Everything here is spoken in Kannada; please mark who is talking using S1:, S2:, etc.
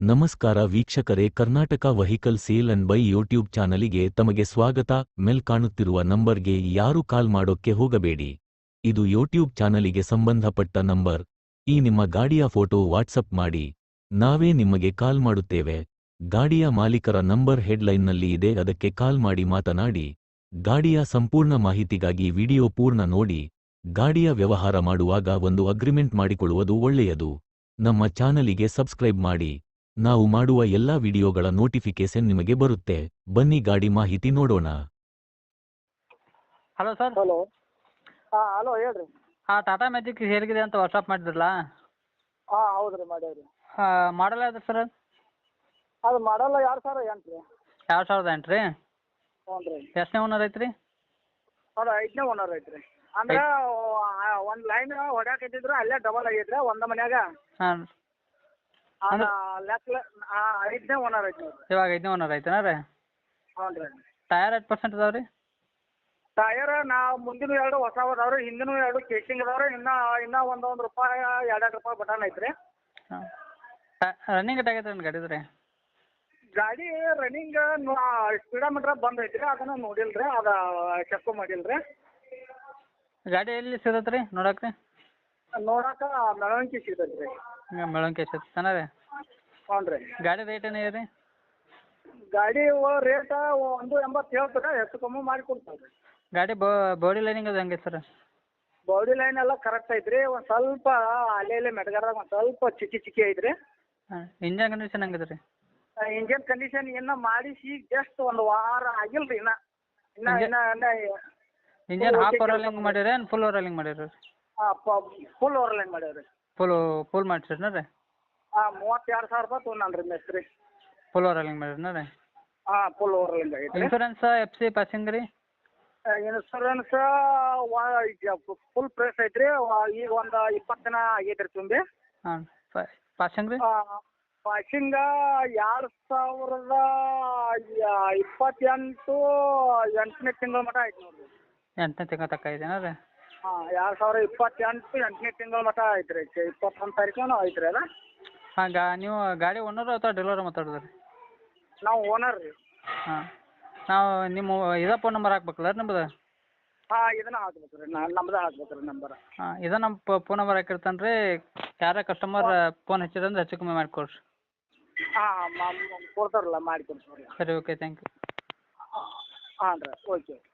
S1: ನಮಸ್ಕಾರ ವೀಕ್ಷಕರೇ, Karnataka vehicle sale and buy YouTube ಚಾನಲಿಗೆ ತಮಗೆ ಸ್ವಾಗತ. ಮೇಲ್ ಕಾಣುತ್ತಿರುವ ನಂಬರ್ಗೆ ಯಾರು ಕಾಲ್ ಮಾಡೋಕ್ಕೆ ಹೋಗಬೇಡಿ. ಇದು ಯೂಟ್ಯೂಬ್ ಚಾನಲಿಗೆ ಸಂಬಂಧಪಟ್ಟ ನಂಬರ್. ಈ ನಿಮ್ಮ ಗಾಡಿಯ ಫೋಟೋ ವಾಟ್ಸಪ್ ಮಾಡಿ, ನಾವೇ ನಿಮಗೆ ಕಾಲ್ ಮಾಡುತ್ತೇವೆ. ಗಾಡಿಯ ಮಾಲೀಕರ ನಂಬರ್ ಹೆಡ್ಲೈನ್ನಲ್ಲಿ ಇದೆ, ಅದಕ್ಕೆ ಕಾಲ್ ಮಾಡಿ ಮಾತನಾಡಿ. ಗಾಡಿಯ ಸಂಪೂರ್ಣ ಮಾಹಿತಿಗಾಗಿ ವಿಡಿಯೋ ಪೂರ್ಣ ನೋಡಿ. ಗಾಡಿಯ ವ್ಯವಹಾರ ಮಾಡುವಾಗ ಒಂದು ಅಗ್ರಿಮೆಂಟ್ ಮಾಡಿಕೊಳ್ಳುವುದು ಒಳ್ಳೆಯದು. ನಮ್ಮ ಚಾನಲಿಗೆ ಸಬ್ಸ್ಕ್ರೈಬ್ ಮಾಡಿ. ನಾವು ಮಾಡುವ ಎಲ್ಲಾ ವಿಡಿಯೋಗಳ ನೋಟಿಫಿಕೇಶನ್ ನಿಮಗೆ ಬರುತ್ತೆ. ಬನ್ನಿ ಗಾಡಿ ಮಾಹಿತಿ ನೋಡೋಣ.
S2: Hello sir.
S3: ಹಲೋ ಹಲೋ ಹೇಳ್ರಿ.
S2: ಟಾಟಾ ಮ್ಯಾಜಿಕ್ ಹೇಗಿದೆ ಅಂತ ವಾಟ್ಸಪ್ ಮಾಡಿದ್ರಲ್ಲ?
S3: ಹೌದು ರೀ, ಮಾಡೇವ್ರಿ.
S2: ಮಾಡಲ್ ಯಾವ್ದು ಸರ್?
S3: ಅದು ಮಾಡಲ್ಲ 2008 ರೀ.
S2: 2008 ರೀ?
S3: ಹ್ಞೂ ರೀ.
S2: ಎಷ್ಟನೇ ಓನರ್ ಐತ್ರಿ?
S3: ಅದು 5ನೇ ಓನರ್ ಐತ್ರಿ. ಅಂದ್ರೆ ಒಂದು ಲೈನ್ ಹೊಡ್ಯಾಕತ್ತಿದ್ರು, ಅಲ್ಲೇ ಡಬಲ್ ಆಗೈತ್ರಿ ಒಂದ ಮನ್ಯಾಗ.
S2: ಹಾಂ.
S3: ಅದು ಲೆಕ್ಕ 5ನೇ ಓನರ್ ಐತಿ ನೋಡ್ರಿ.
S2: ಇವಾಗ 5ನೇ ಓನರ್ ಐತೇನ ರೀ?
S3: ಹ್ಞೂ ರೀ.
S2: ಟಯರ್ 8% ಅದಾವೆ ರೀ?
S3: ಟಯರ್ ಮುಂದಿನ 2 ಹೊಸ ಅದಾವ್ರಿ, ಹಿಂದಿನ 2 ಕೇಸಿಂಗ್ ಅದಾವ್ರಿ. ಇನ್ನ ಒಂದೊಂದು ರೂಪಾಯಿ 2 ರೂಪಾಯಿ ಬಟನ್ ಐತ್ರಿ.
S2: ಹಾಂ. ರನ್ನಿಂಗ್ ಆಗೈತೆ ರೀ ಗಾಡಿದು ರೀ?
S3: ಗಾಡಿ ರನ್ನಿಂಗ್ ಸ್ಪೀಡೋಮೀಟ್ರ್ ಬಂದ್ ಐತ್ರಿ, ಅದನ್ನ ನೋಡಿಲ್ರಿ, ಅದು ಚೆಕ್ ಮಾಡಿಲ್ರಿ.
S2: ಗಾಡಿ ಎಲ್ಲಿ ಸಿಗತ್ತೆ ರೀ ನೋಡಕ್ಕೆ?
S3: ನೋಡಾಕ ಮೆಳವಂಕಿ ಸಿಗ್ತೈತಿ ರೀ.
S2: ಮೆಳವಂಕಿ ಸಿಗ್ತಾನ ರೀ?
S3: ಹ್ಞೂ ರೀ.
S2: ಗಾಡಿ ರೇಟ್ ಏನಿದೆ ರೀ?
S3: ಗಾಡಿ ರೇಟ್ 180 ಹೇಳ್ತಾರೆ, ಹೆಚ್ಚು ಕಮ್ಮಿ ಮಾಡಿ ಕೊಡ್ತಾರೆ ರೀ.
S2: ಗಾಡಿ ಬಾಡಿ ಲೈನಿಂಗ್ ಅದು ಹೆಂಗೆ ಸರ್?
S3: ಬಾಡಿ ಲೈನ್ ಎಲ್ಲ ಕರೆಕ್ಟ್ ಐತ್ರಿ. ಒಂದು ಸ್ವಲ್ಪ ಅಲ್ಲೇ ಮೆಟ್ಗಾರದಾಗ ಒಂದು ಸ್ವಲ್ಪ ಚಿಕ್ಕಿ ಐತ್ರಿ.
S2: ಹಾಂ. ಇಂಜನ್ ಕಂಡೀಷನ್ ಹೆಂಗಿದೆ ರೀ?
S3: ಇಂಜಿನ್ ಕಂಡೀಷನ್ ಇನ್ನ ಮಾಡಿಸಿ ಜಸ್ಟ್ ಒಂದು ವಾರ ಆಗಿಲ್ರಿ. ಇನ್ನ
S2: ಇಂಜನ್ ಹಾಫ್ ಓವರ್ಲಿಂಗ್ ಮಾಡಿರಿ ಏನು ಫುಲ್ ಓವರ್ಲಿಂಗ್ ಮಾಡಿರಿ?
S3: ಫುಲ್ ಓವರ್ಲೈನ್ ಮಾಡ್ಯಾವ್ರಿ.
S2: ಫುಲ್ ಮಾಡಿಸಿರ್ನ ರೀ?
S3: 32,000 ರೂಪಾಯಿ ತೊಗೊಂಡ್ರಿ ರೀ ಮೇಸ್ತ್ರಿ.
S2: ಫುಲ್ ಓವರ್ಲಿಂಗ್ ಮಾಡಿರ್ನ ರೀ?
S3: ಫುಲ್ ಓವರ್ಲೈನ್ ಐತ್ರಿ.
S2: ಇನ್ಶೂರೆನ್ಸ್ FC ಪಾಸಿಂಗ್ ರೀ?
S3: ಇನ್ಶೂರೆನ್ಸ್ ಫುಲ್ ಪ್ರೈಸ್ ಐತ್ರಿ. ಈಗ ಒಂದು 20 ದಿನ ಆಗೈತ್ರಿ ತುಂಬಿ.
S2: ಹಾಂ. ಪಾಸಿಂಗ್ ರೀ?
S3: ಪಾಸಿಂಗ 2028 8ನೇ ತಿಂಗಳ ಮಟ್ಟ ಐತಿ ನೋಡ್ರಿ.
S2: 8ನೇ ತಿಂಗಳ ತನಕ ಇದೆಯಾ ರೀ?
S3: 2028 8ನೇ ತಿಂಗಳ ಮಟ್ಟ ಐತ್ರಿ. 21 ತಾರೀಕು ಐತ್ರಿ ಅದ.
S2: ಹಾಂ. ನೀವು ಗಾಡಿ ಓನರು ಅಥವಾ ಡೀಲರ್ ಮಾತಾಡೋದು ರೀ?
S3: ನಾವು ಓನರ್ ರೀ.
S2: ಹಾಂ. ನಾವು ನಿಮ್ಮ ಇದೇ ಫೋನ್ ನಂಬರ್ ಹಾಕ್ಬೇಕಲ್ಲ ರೀ ನಿಮ್ಮದು?
S3: ಇದನ್ನ ಹಾಕ್ಬೇಕು ರೀ, ನಮ್ದು ಹಾಕ್ಬೇಕು ರೀ ನಂಬರ್.
S2: ಹಾಂ. ಇದೇ ನಮ್ಮ ಫೋನ್ ನಂಬರ್ ಹಾಕಿರ್ತಾನೆ ರೀ. ಯಾರೇ ಕಸ್ಟಮರ್ ಫೋನ್ ಹಚ್ಚಿದಂದ್ರೆ ಹೆಚ್ಚು ಕಮ್ಮಿ ಮಾಡಿಕೊಡ್ರಿ.
S3: ಕೊಡ್ತಾರಲ್ಲ, ಮಾಡಿ ಕೊಡ್ತೀವಿ ರೀ.
S2: ಸರಿ, ಓಕೆ, ಥ್ಯಾಂಕ್ ಯು.
S3: ಹಾಂ ರೀ, ಓಕೆ.